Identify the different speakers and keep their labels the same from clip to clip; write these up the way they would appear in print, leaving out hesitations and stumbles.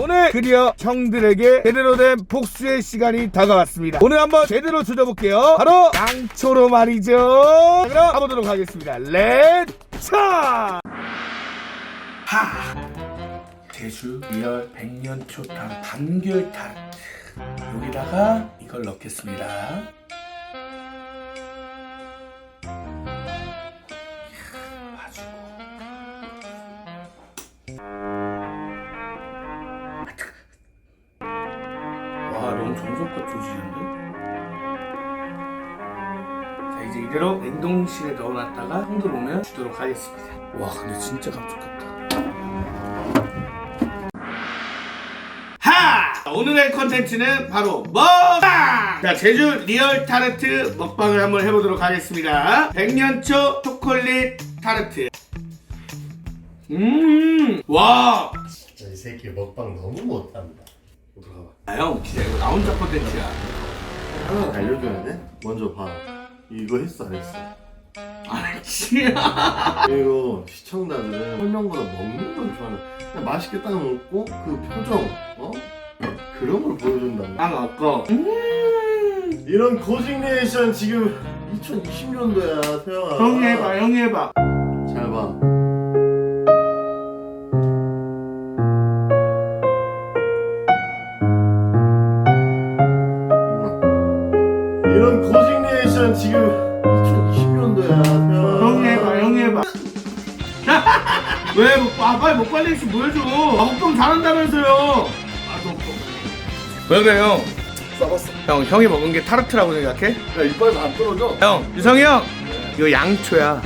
Speaker 1: 오늘 드디어 형들에게 제대로 된 복수의 시간이 다가왔습니다. 오늘 한번 제대로 조져볼게요. 바로 양초로 말이죠. 자, 그럼 가보도록 하겠습니다. 렛츠! 제주 리얼 백년초 타르트 단귤 타르트, 여기다가 이걸 넣겠습니다. 봐주고. 와, 너무 정성껏 조지는데? 자, 이제 이대로 냉동실에 넣어놨다가 형들 오면 주도록 하겠습니다. 와, 근데 진짜 감쪽같다. 오늘의 컨텐츠는 바로 먹방! 자, 제주 리얼 타르트 먹방을 한번 해보도록 하겠습니다. 백년초 초콜릿 타르트. 와!
Speaker 2: 진짜 이 새끼 먹방 너무 못한다.
Speaker 1: 형, 진짜 이거 나 혼자 컨텐츠야.
Speaker 2: 하나 알려줘야 돼? 먼저 봐. 이거 했어 안 했어?
Speaker 1: 아니지.
Speaker 2: 그리고 시청자들은 설명보다 먹는 걸 좋아하는. 그냥 맛있게 딱 먹고 그 표정, 그런 걸 보여준단 말이야.
Speaker 1: 아, 아까.
Speaker 2: 이런 고직 리액션 지금 2020년도야, 태영아.
Speaker 1: 형이 해봐.
Speaker 2: 잘 봐. 이런 고직 리액션 지금 2020년도야, 태영아.
Speaker 1: 형이 해봐. 왜? 빨리 먹방 리액션 보여줘. 먹방 잘한다면서요. 왜 그래, 형?
Speaker 2: 썩었어.
Speaker 1: 형이 먹은 게 타르트라고 생각해?
Speaker 2: 야, 이빨에서 안 떨어져.
Speaker 1: 형, 유성이 형! 이거 양초야.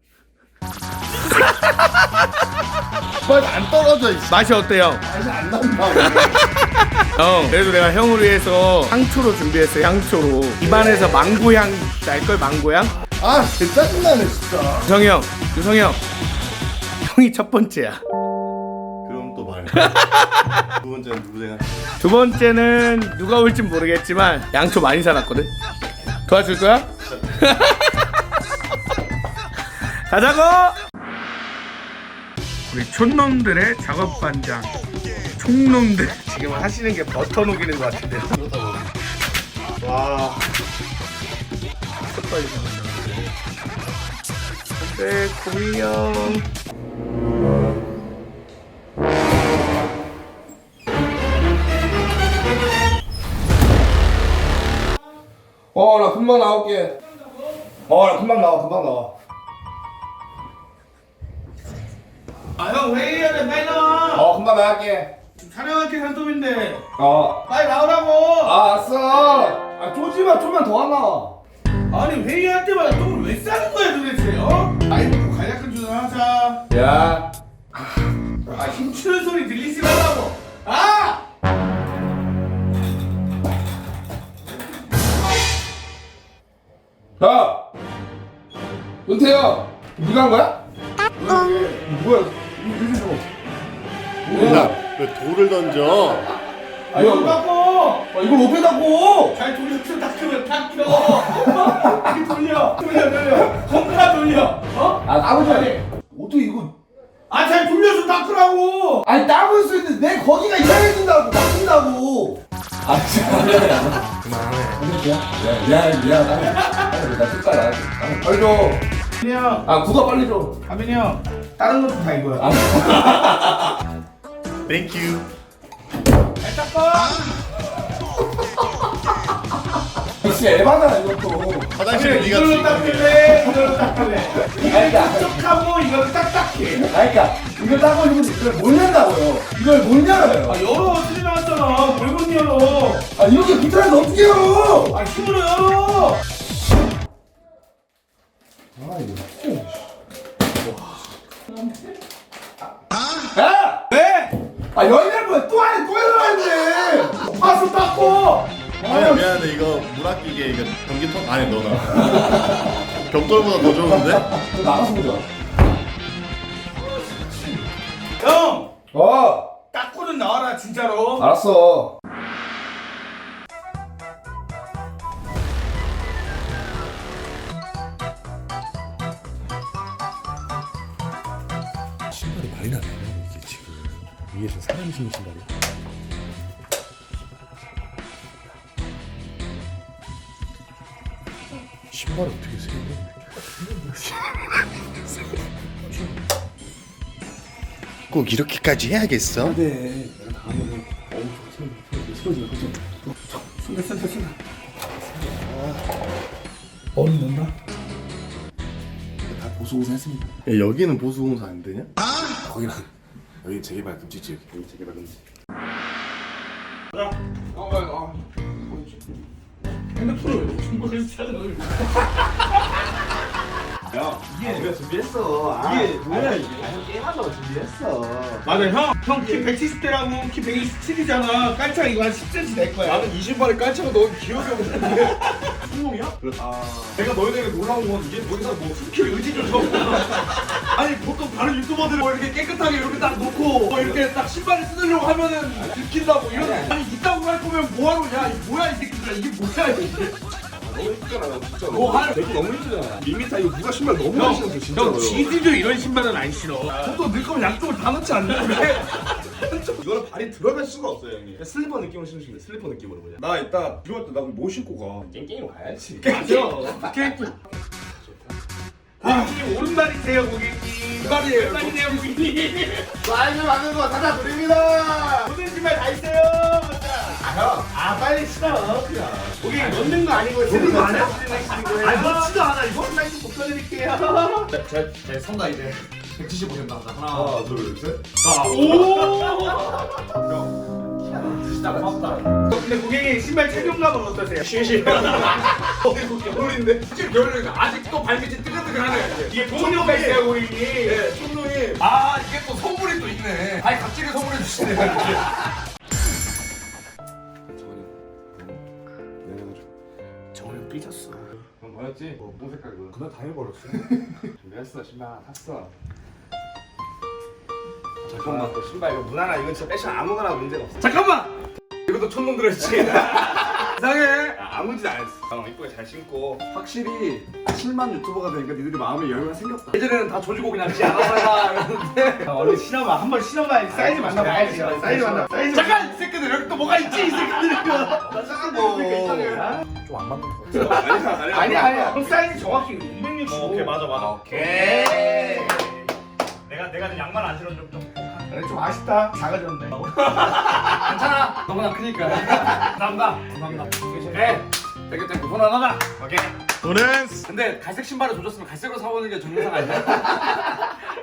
Speaker 2: 이빨에서 안 떨어져, 이씨.
Speaker 1: 맛이 어때요?
Speaker 2: 맛이 안 난다.
Speaker 1: 형, 그래도 내가 형을 위해서 향초로 준비했어, 향초로. 입안에서 망고향 날걸, 망고향?
Speaker 2: 아, 진짜 짜증나네, 진짜.
Speaker 1: 유성이 형. 형이 첫 번째야.
Speaker 2: 그럼 또 말해. 두 번째는 누구 생각?
Speaker 1: 두 번째는 누가 올진 모르겠지만 양초 많이 사놨거든? 도와줄 거야? 가자고! 우리 촌놈들의 작업반장 총놈들 지금 하시는 게 버터 녹이는 것 같은데요.
Speaker 2: 와.
Speaker 1: 네, 고미형.
Speaker 2: 나 금방 나올게. 나 금방 나와.
Speaker 1: 아, 형 회의해야 돼. 빨리 나와.
Speaker 2: 금방 나갈게.
Speaker 1: 지금 촬영할 게 산톱인데
Speaker 2: 어.
Speaker 1: 빨리 나오라고.
Speaker 2: 알았어. 쪼지마, 좀만 더 하나.
Speaker 1: 아니, 회의할 때마다 똥을 왜 싸는 거야 도대체? 나이 먹고 간략한 주문 하자.
Speaker 2: 야.
Speaker 1: 힘주는 소리 들리지 말라고.
Speaker 2: 야. 은태야. 네가 한 거야? 뭐야? 뭐야? 왜 돌을 던져?
Speaker 1: 이거 닦고.
Speaker 2: 이걸 못 빼다고.
Speaker 1: 잘 돌려서 닦으면 닦여. 이렇게 돌려. 겁나 돌려.
Speaker 2: 아버지. 어떻게 이거?
Speaker 1: 잘 돌려서 닦으라고.
Speaker 2: 아니 땀을 쓰는데 내 거기가 이상해진다고 막힌다고. 그만해. 미안. 나 색깔 안 해. 빨리 줘.
Speaker 1: 가빈이 형.
Speaker 2: 국아 빨리 줘.
Speaker 1: 가빈이 형. 다른 것도 다 이거야.
Speaker 2: Thank you.
Speaker 1: 잘 닦아.
Speaker 2: 역시 에바다 이것도.
Speaker 1: 화장실에 이걸로 닦을래? 이걸로 닦을래? 이걸 촉촉하고 이걸 딱딱해.
Speaker 2: 그러니까 이걸 따고 있는데 이걸 못 낸다고요. 이걸 못 열어요.
Speaker 1: 열어. 틀이 나왔잖아. 뭘 못 열어.
Speaker 2: 이렇게 붙어서 어떻게 열어?
Speaker 1: 힘으로 열어.
Speaker 2: 야!
Speaker 1: 왜?
Speaker 2: 열면 뭐야? 또 열어야지.
Speaker 1: 파스 닦고.
Speaker 3: 미안한데 이거 물 아끼게 이거 전기통 안에 넣어놔. 벽돌보다 더 좋은데?
Speaker 2: 나가서 보자.
Speaker 1: 형.
Speaker 2: 어.
Speaker 1: 닦고는 나와라 진짜로.
Speaker 2: 알았어.
Speaker 3: 신발이 많이 나네 이게 지금.
Speaker 4: 이게 저 사람이 신는 신발이야? 신발을 어떻게 세 개?
Speaker 3: 꼭 이렇게까지 해야겠어?
Speaker 4: 네, 내가 다 하면은 쓰러지면 그죠? 순다. 얼음 넣나? 다 보수공사 했습니다.
Speaker 2: 야, 여기는 보수공사 안 되냐?
Speaker 4: 거기는 여기 재개발 금지지. 여기 재개발 금지.
Speaker 1: 맞아 형 키 170대라고 키 127이잖아. 깔창 이거 한 10cm 될 거야.
Speaker 4: 나는 이 신발에 깔창을 넣은 기억이 없는데. 순놈이야? 내가 너희들에게 놀라운 건 이게 더 이상 뭐 스킬 의지 좀 적고. 아니 보통 다른 유튜버들은 뭐 이렇게 깨끗하게 이렇게 딱 놓고 뭐 이렇게 딱 신발을 뜯으려고 하면은 들킨다고 이런. 아니 이따구 할 거면 뭐하러 야 이 뭐야 이 새끼들아 이게 뭐야 이게. 너무 힘들잖아 진짜. 너할 내거 너무 힘들잖아. 밋밋하 이거 누가 신발 너무 많이 신었어 진짜로.
Speaker 1: 형 GD도 이런 신발은 안 신어.
Speaker 4: 보통 넣을 거면 양쪽을 다 넣지 않나? 이거는 발이 들어갈 수가 없어요 형님. 슬리퍼 느낌으로 신으시면 돼. 슬리퍼 느낌으로 그냥. 나 이따 필요할 때 나 뭐 신고 가. 깽깽이로 가야지.
Speaker 1: 맞아. 고객님 오른발이세요 고객님.
Speaker 4: 오른발이에요.
Speaker 1: 오른발이네요 고객님.
Speaker 2: 사인을 받는 거 다 드립니다.
Speaker 1: 모든 신발 다 있어요. 아 빨리 신어 그냥. 고객님 넣는 거 아니고 쓰는 거 아니야? 아니 넣지도 않아 이거. 사인 좀 붙여드릴게요.
Speaker 4: 제 선다 이제 175 된다. 하나 둘 셋. 진짜 고맙다.
Speaker 1: 근데 고객님 신발 착용감은 어떠세요?
Speaker 4: 쉬쉬. 겨울인데 지금 겨울이니까 아직도 발밑이 뜨끈뜨끈하네.
Speaker 1: 이게 보온료가 있어요 고객님.
Speaker 4: 네, 총동이. 아 이게 또 선물이 또 있네. 아니 갑자기 선물해 주시네.
Speaker 1: 정훈이 형 삐졌어.
Speaker 4: 형 뭐였지? 뭐 색깔 이거? 그날 다 해버렸어. 준비했어 신발 샀어.
Speaker 1: 잠깐만 또 신발 이거 무난하 이건 진짜 패션 아무거나 문제가 없어. 잠깐만.
Speaker 4: 이것도 촌놈 들었지. 이상해.
Speaker 1: 아무 짓 안 했어. 형 이쁘게 잘 신고.
Speaker 4: 확실히 7만 유튜버가 되니까 니들이 마음에 여유가 생겼다. 예전에는 다 조지고 그냥 지 알아서 해라 이러는데.
Speaker 1: 얼른 신어봐. 한번 신어봐. 사이즈 만나봐야지. 사이즈 만나. 사이즈.
Speaker 4: 잠깐 이 새끼들 여기 또 뭐가 있지 이 새끼들이. 좀안 맞는 거 같아.
Speaker 1: 아니야. 형 사이즈 정확히 265.
Speaker 4: 오케이 맞아.
Speaker 1: 오케이.
Speaker 4: 내가 좀 양말 안 신어 좀.
Speaker 1: 그래 좀 아쉽다. 작아졌네.
Speaker 4: 괜찮아. 너무나 크니까. 감사합니다. 네. 되게 편안하다. 오케이.
Speaker 3: 오늘
Speaker 4: 근데 갈색 신발을 조졌으면 갈색으로 사오는 게 정상 아니야?